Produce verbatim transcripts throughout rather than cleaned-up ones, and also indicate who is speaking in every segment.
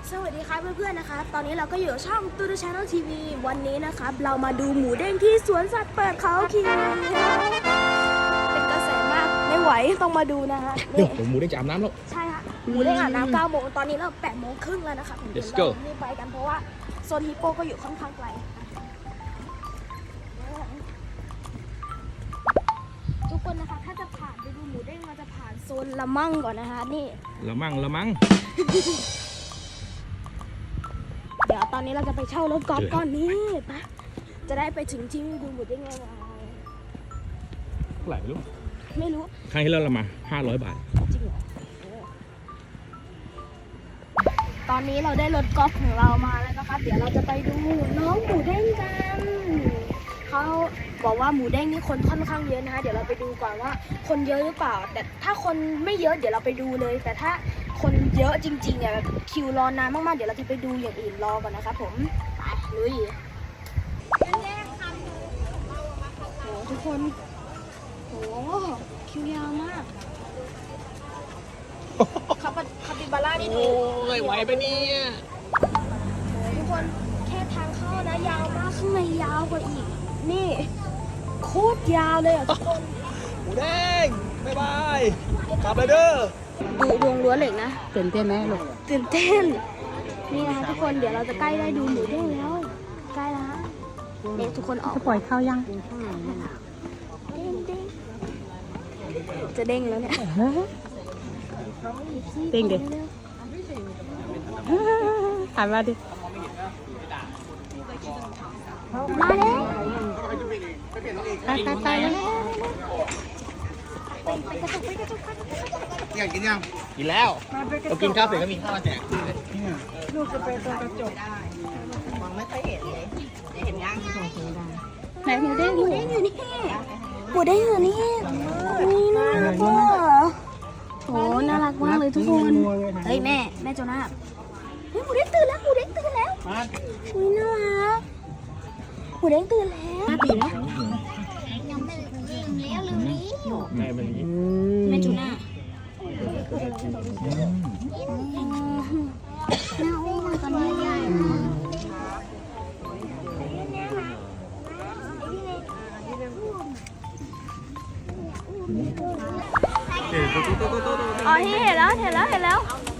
Speaker 1: สวัสดีครับเพื่อนๆนะคะตอนนี้เราก็อยู่ช่องตูดูชาแนลทีวีวันนี้นะครับเรามาดูหมูเด้งที่สวนสัตว์เปิดเขาเขียวเป็นกระแสมากไม่ไหวต้องมาดูนะฮะ
Speaker 2: เดี๋
Speaker 1: นี่
Speaker 2: ยวหมูได้จะอาบน้ำแล้ว
Speaker 1: ใช่ค่ะหมูเด้งอาบน้ำเก้าโมงตอนนี้เราแปดโมงครึ่งแล้วนะคะ
Speaker 2: Let's go
Speaker 1: รีบไปกันเพราะว่าโซนฮิปโปก็อยู่ค่อนข้างไกลทุกคนนะคะถ้าจะผ่านไปดูหมูเด้งเราจะผ่านโซนละมั่งก่อนนะคะนี่
Speaker 2: ละมั่งละมั่ง
Speaker 1: เดี๋ยวตอนนี้เราจะไปเช่ารถกอล์ฟก่อนนี่ปะจะได้ไปถึงที่ดูหมดได้ไงวะ
Speaker 2: เท่าไหร่ไม่รู้
Speaker 1: ไม่รู้
Speaker 2: ครั้งที่แล้วเรามาห้าร้อยบาท
Speaker 1: จริงเหรอตอนนี้เราได้รถกอล์ฟของเรามาแล้วนะคะเดี๋ยวเราจะไปดูน้องหมูเด้งกันเขาบอกว่าหมูเด้งนี่คนค่อนข้างเยอะนะคะเดี๋ยวเราไปดูก่อนว่าคนเยอะหรือเปล่าแต่ถ้าคนไม่เยอะเดี๋ยวเราไปดูเลยแต่ถ้าคนเยอะจริงๆเนี่ยแบบคิวรอนานมากๆเดี๋ยวเราจะไปดูอย่างอื่นรอก่อนนะคะผมไปลุยโหทุกคนโหคิวยาวมากคาปคาปิบาร่านี่ดู
Speaker 2: โอ้ยไหวไปเนี่ย
Speaker 1: โหทุกคนแค่ทางเข้านะยาวมากข้างในยาวกว่าอีกนี่โคตรยาวเลยอ่ะทุกคน
Speaker 2: หมูแดงบ๊ายบายกลับเลยเด้อ
Speaker 1: ดูดวงล้วนเหล็กนะ
Speaker 3: ตื่นเต้นไหมลูก
Speaker 1: ตื่นเต้นนี่นะคะทุกคนเดี๋ยวเราจะใกล้ได้ดูหมูเด้งแล้วใกล้แล้วฮะเด็กทุกคนออก
Speaker 3: จะปล่อยเข้ายัง
Speaker 1: เด้งเด้งจะเด้งแล้วเนี่ย
Speaker 3: เด้งดิหันมาดิ
Speaker 1: มาแล้ว
Speaker 3: ไปไปไปเลย
Speaker 4: อยากกินยัง
Speaker 2: กินแล้วเรากินข้าวเสร็จก็มีข้าวมาแจก
Speaker 3: ลูกจะไปตรงกระจก
Speaker 4: มองไม่ค่อยเห็นเลยเห็นยัง
Speaker 1: ไหนหมูเด้งหมูเด้งอยู่นี่หมูเด้งอยู่นี่นี่น่ารักว่ะโหน่ารักมากเลยทุกคนเฮ้ยแม่แม่โจนาเฮ้ยหมูเด้งตื่นแล้วหมูเด้งตื่นแล้วอุ้ยน่ารักหมูเด้งตื่นแล้ว
Speaker 3: ปีแล้ว
Speaker 2: แม่มัน
Speaker 1: แม่โจนาแม่อุ้มตอนนี้ใหญ่อ๋อที่เห็นแล้วเห็นแล้วเห็นแล้ว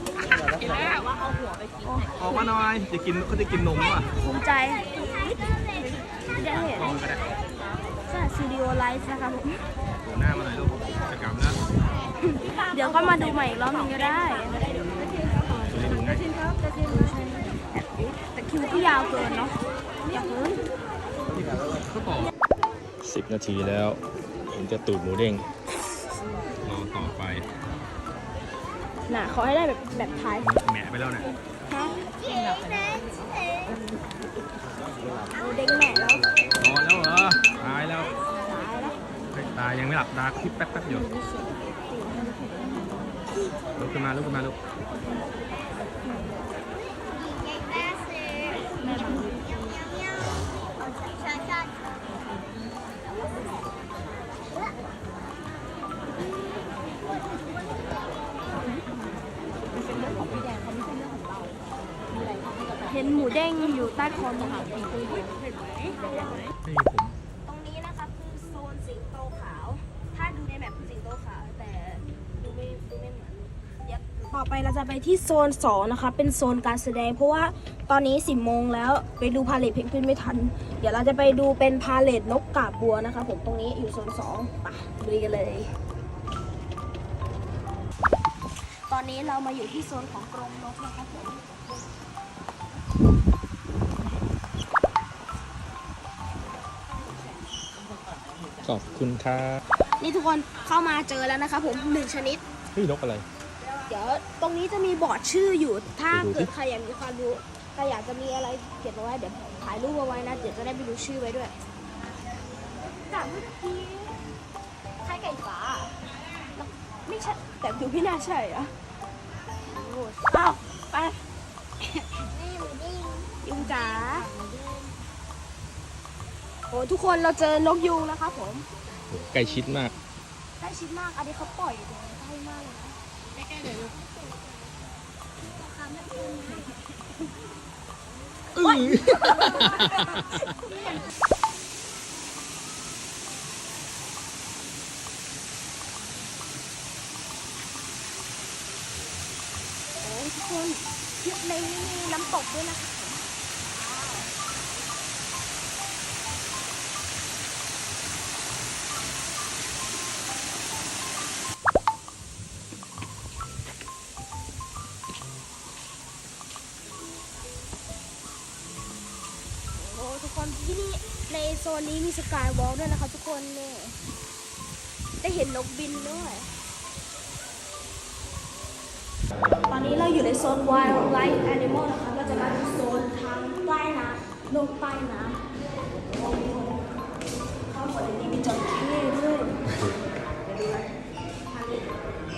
Speaker 2: ออกมาหน่อยจะกินเขาจะกินนมว่ะ
Speaker 1: ภูมิใจได้เห็นใช่ซีดีโอไลฟ์นะคะผม
Speaker 2: หัวหน้ามาหน่อยลูกจะกลับนะ
Speaker 1: เดี๋ยวก็มาดูใหม่อีกรอบนึงก็ได้
Speaker 2: จะได้ดูง่าย
Speaker 1: แต่คิวก็ยาวเกินเนาะอยากเพิ่ม
Speaker 2: สิบนาทีแล้วผมจะตูดหมูเด้งรอต่อไป
Speaker 1: น่ะเขาให้ได้แบบแบบท้าย
Speaker 2: แหมะไปแล้วนะ
Speaker 1: ฮะเอาเด้งแหม่แล้ว
Speaker 2: นอนแล้วเหรอตายแล้ว
Speaker 1: ตายแล้ว
Speaker 2: เฮ้ยตายยังไม่หลับตาคลิปแป๊บแป๊บอยู่ลุกขึ้นมาลุกขึ้นมาลุก
Speaker 1: เห็นหมูเด้งอยู่ใต้คอนไหมคะ
Speaker 2: ไม่มีผม
Speaker 1: ตรงนี้นะคะคือโซนสิงโตขาว ถ้าดูในแบบสิงโตขาวแต่ดูไม่ดูไม่เหมือนเดี๋ยวต่อไปเราจะไปที่โซนสองนะคะเป็นโซนการแสดง เพราะว่าตอนนี้สิบโมงแล้วไปดูพาเลทเพนกวินไม่ทัน เดี๋ยวเราจะไปดูเป็นพาเลทนกกาบบัวนะคะผมตรงนี้อยู่โซนสองไปลุยกันเลย ตอนนี้เรามาอยู่ที่โซนของกรงนกนะคะผม
Speaker 2: ขอบคุณครับ
Speaker 1: นี่ทุกคนเข้ามาเจอแล้วนะคะผมหนึ่งชนิด
Speaker 2: เฮ้ยนกอะไร
Speaker 1: เดี๋ยวตรงนี้จะมีบอร์ดชื่ออยู่ ถ้า
Speaker 2: ไปดูสิ
Speaker 1: เกิดใครอยากมีความรู้ใครอยากจะมีอะไรเขียนเอาไว้เดี๋ยวถ่ายรูปเอาไว้นะ เดี๋ยวจะได้ไปดูชื่อไว้ด้วยจากเมื่อกี้ไข่ไก่ฟ้าแล้วไม่ใช่แต่ดูไม่น่าใช่อะโอ้อ้าวไปยุงจ๋าโอ้ทุกคนเราเจอนกยูงนะคะผม
Speaker 2: ใกล้ชิดมาก
Speaker 1: ใกล้ชิดมาก อันนี้เขาปล่อยเลยใกล้มากเลยนะใกล้ๆเลยลูก
Speaker 2: อื้อ
Speaker 1: โอ้ทุกคนในนี้มีน้ำตกด้วยนะคะโอ้ทุกคนที่นี่ในโซนนี้มีสกายวอล์กด้วยนะคะทุกคนเนี่ยได้เห็นนกบินด้วย ตอนนี้เราอยู่ในโซน Wildlife Animal นะคะก็จะมาดูโซนทางใต้น้ำโลกใต้น้ำโอ้โหเข้าหมดเลยนี่มีจระเข้ด้วยเดี๋ยวดูนะทางนี้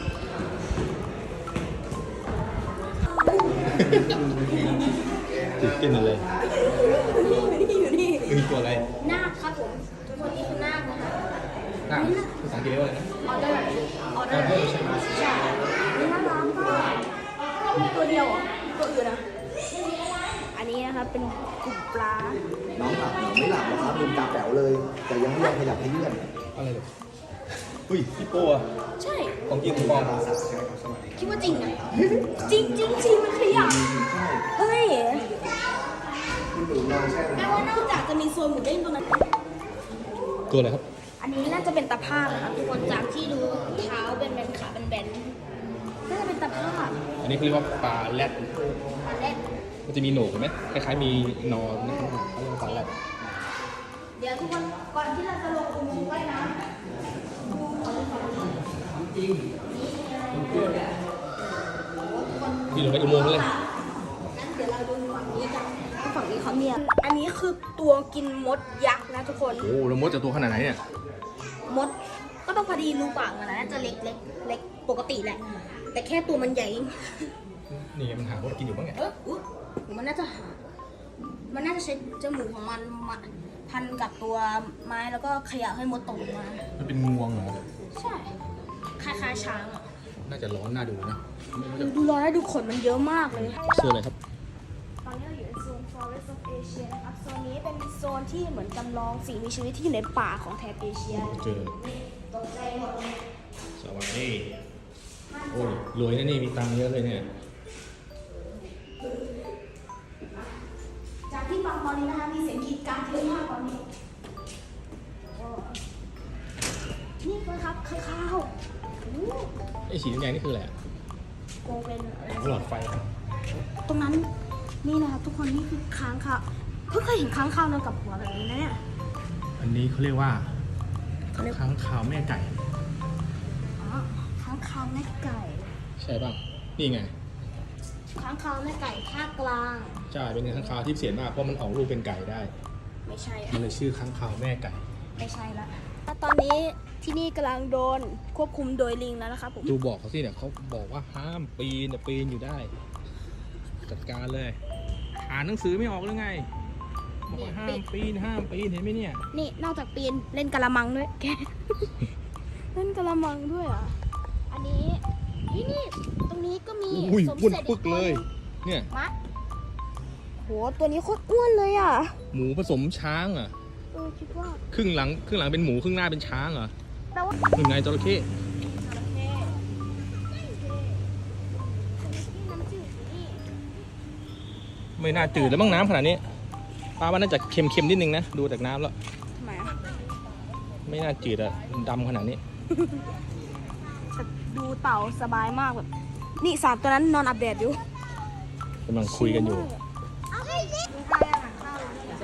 Speaker 2: ตื่นเต้นอะไร
Speaker 1: อยู่นี่อยู่นี่
Speaker 2: มีตัวอะไร
Speaker 1: นาคครับผมทุกคนนี่คือนาคนะคะ
Speaker 2: น่าภาษาอังกฤษเรียกว่าอะไรนะ
Speaker 1: ออเดอร์ออเดอร์ใช่ใช่นี่น่ารักมากตัวเดียวเหรอตัวอื่นนะอันนี้นะคะเป็นกลุ่มปลา
Speaker 5: น้องหลับน้องไม่หลับหรอกครับลืมตาแป๋วเลย แต่ยังไม่ยอมขยับให้เลื่อน
Speaker 2: อะไรเลยอุ้ยพี่โป้อะ
Speaker 1: ใช่
Speaker 2: ของจริงของปลอม
Speaker 1: คิดว่าจริงอ่ะ จริงจริงจริงมันขยับเฮ้ย
Speaker 5: คุณหนูลองแช่
Speaker 1: แปลว่านอกจากจะมีโซนหมูเด้งตรงนั้น
Speaker 2: ตัวอะไรครับ
Speaker 1: อันนี้น่าจะเป็นตะภาพนะคะทุกคนจากที่ดูเท้าเป็นแบนขาเป็นแบนน่าจะเป็นตะภาพ
Speaker 2: อันนี้เขาเรียกว่าปลาแรด
Speaker 1: ปลาเล่น
Speaker 2: มันจะมีโหนกเห็นไหมคล้ายๆมีนอนนะครับเขาเรียกว่าปลาแรด
Speaker 1: เดี๋ยวทุกคนก่อนที่เราจะลงอุโมงค์ว่ายน้ำดูขอดูขอดู
Speaker 2: พี่ลงไปอุโมงค์เลย
Speaker 1: งั้นเดี๋ยวเราดูฝั่งนี้กันฝั่งนี้เขาเนี่ยอันนี้คือตัวกินมดยักษ์นะทุกคน
Speaker 2: โอ้แล้วมดจะตัวขนาดไหนเนี่ย
Speaker 1: มดก็ต้องพอดีรูปากมันนะน่าจะเล็กเล็กเล็กปกติแหละ แต่แค่ตัวมันใหญ่
Speaker 2: นี่มันหามดกินอยู่บ้างไง
Speaker 1: เอออุ๊ยมันน่าจะหา มันน่าจะใช้จมูกของมันมาพันกับตัวไม้แล้วก็เขย่าให้มดตกลงมา
Speaker 2: มันเป็นงวงเหรอ
Speaker 1: ใช่ คล้ายๆช้างอ่ะ
Speaker 2: น่าจะร้อนน่าดูนะไม่รู้จะ
Speaker 1: ดูร้อนแล้วดูขนมันเยอะมากเลย
Speaker 2: เสื้ออะไรครับ
Speaker 1: ตอนนี้เราอยู่ในโซน Forest of Asia นะครับ โซนนี้เป็นโซนที่เหมือนจำลองสิ่งมีชีวิตที่อยู่ในป่าของแถบเอเชีย
Speaker 2: เจอ
Speaker 1: ตกใจหมดเลย
Speaker 2: สวัสดีโอ้ยรวยนะนี่มีตังค์เยอะเลยเนี่ย
Speaker 1: จากที่ฟังตอนนี้นะคะมีเสียงกรีดกรารเยอะมากตอนนี้โอ้นี่เลยครับข้างข้าวโอ้
Speaker 2: ไอ้สีแดงๆนี่คืออะไรอะ
Speaker 1: โกเป็น
Speaker 2: หลอดไฟ
Speaker 1: ตรงนั้นนี่นะครับทุกคนนี่คือค้างคาวเพิ่งเคยเห็นค้างคาวนอนกับหัวแบบนี้นะเนี่ย
Speaker 2: อันนี้เขาเรียกว่าค้างคาวแม่ไก่
Speaker 1: อ๋อค้างคาวแม่ไก่
Speaker 2: ใช่ป่ะ นี่ไง
Speaker 1: ค้างคาวแม่ไก่ภาคกลาง
Speaker 2: ใช่เป็นค้างคาวที่เสียมากเพราะมันออกลูกเป็นไก่ได้
Speaker 1: ไม่ใช่
Speaker 2: มันเลยชื่อค้างคาวแม่ไก่
Speaker 1: ไม่ใช่ละตอนนี้ที่นี่กำลังโดนควบคุมโดยลิงแล้วนะครับผม
Speaker 2: ดูบอกเขาสิเนี่ยเขาบอกว่าห้ามปีนแต่ปีนอยู่ได้ จัดการเลย อ่านหนังสือไม่ออกหรือไง บอกว่าห้ามปีนห้ามปีนเห็นไหมเนี่ย
Speaker 1: นี่นอกจากปีนเล่นกะละมังด้วยแก เล่นกะละมังด้วยอ่ะ อันนี้นี่นี่ตรงนี้ก็มี
Speaker 2: อุ้ย
Speaker 1: สม
Speaker 2: อ้วน
Speaker 1: เสร็จ
Speaker 2: ปึกเลย เนี่ย
Speaker 1: มะโหตัวนี้โคตรอ้วนเลยอ่ะ
Speaker 2: หมูผสมช้างเหรอ่ะ
Speaker 1: เออคิดว่า
Speaker 2: ครึ่งหลังครึ่งหลังเป็นหมูครึ่งหน้าเป็นช้างเหรอ
Speaker 1: แปลว่า
Speaker 2: หนึ่งไงจระเข้
Speaker 1: จระเข้น้ำจืดนี่
Speaker 2: ไม่น่าจืดแล้วมั้งน้ำขนาดนี้ปลาว่าน่าจะเค็มๆนิดนึงนะดูจากน้ำแล้ว
Speaker 1: ทำไมอ่ะ
Speaker 2: ไม่น่าจืดอะดำขนาดนี้
Speaker 1: แต่ดูเต่าสบายมากแบบ นี่สามตัวนั้นนอนอาบแดดอยู่
Speaker 2: กำลังคุยกันอยู่
Speaker 1: เอาให้เล็กข้าวอาหารข้าว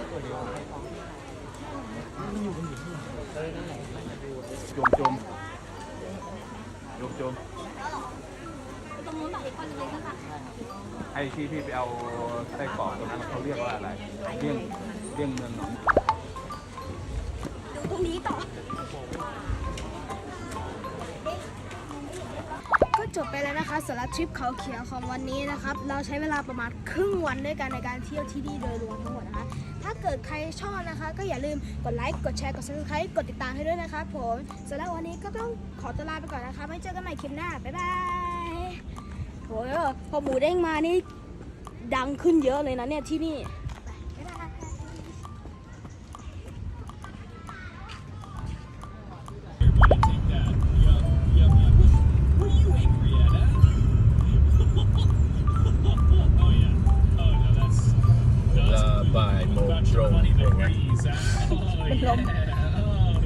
Speaker 6: โจมโจมโจมโจม
Speaker 1: ตรงนู้นแบบอีกคนนึงเลยสักค่ะ
Speaker 6: ไอ้ที่พี่ไปเอาไส้กรอกตรงนั้นเขาเรียกว่าอะไรเลี่ยงเลี่ยงเมืองหนอง
Speaker 1: ดูตรงนี้ต่อ ก็จบไปแล้วนะคะสำหรับทริปเขาเขียวของวันนี้นะครับ เราใช้เวลาประมาณครึ่งวันด้วยกันในการเที่ยวที่นี่โดยรวมทั้งหมดนะคะ ถ้าเกิดใครชอบนะคะ ก็อย่าลืมกดไลค์กดแชร์กด ซับสไครบ์ กดติดตามให้ด้วยนะคะผมสำหรับวันนี้ก็ต้องขอตัวลาไปก่อนนะคะไว้เจอกันใหม่คลิปหน้าบ๊ายบายโหพอหมูเด้งมานี่ดังขึ้นเยอะเลยนะเนี่ยที่นี่ไป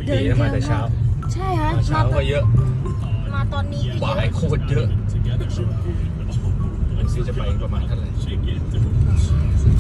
Speaker 1: เดิน
Speaker 2: ดีนะมาแต่เช้า
Speaker 1: ใช่ฮะ
Speaker 2: มาเช้าก็เยอะ
Speaker 1: มาตอนนี้ก็เย
Speaker 2: บ่า
Speaker 1: อะ
Speaker 2: ยโคตรเยอะดูซิจะไปประมาณเท่าไหร่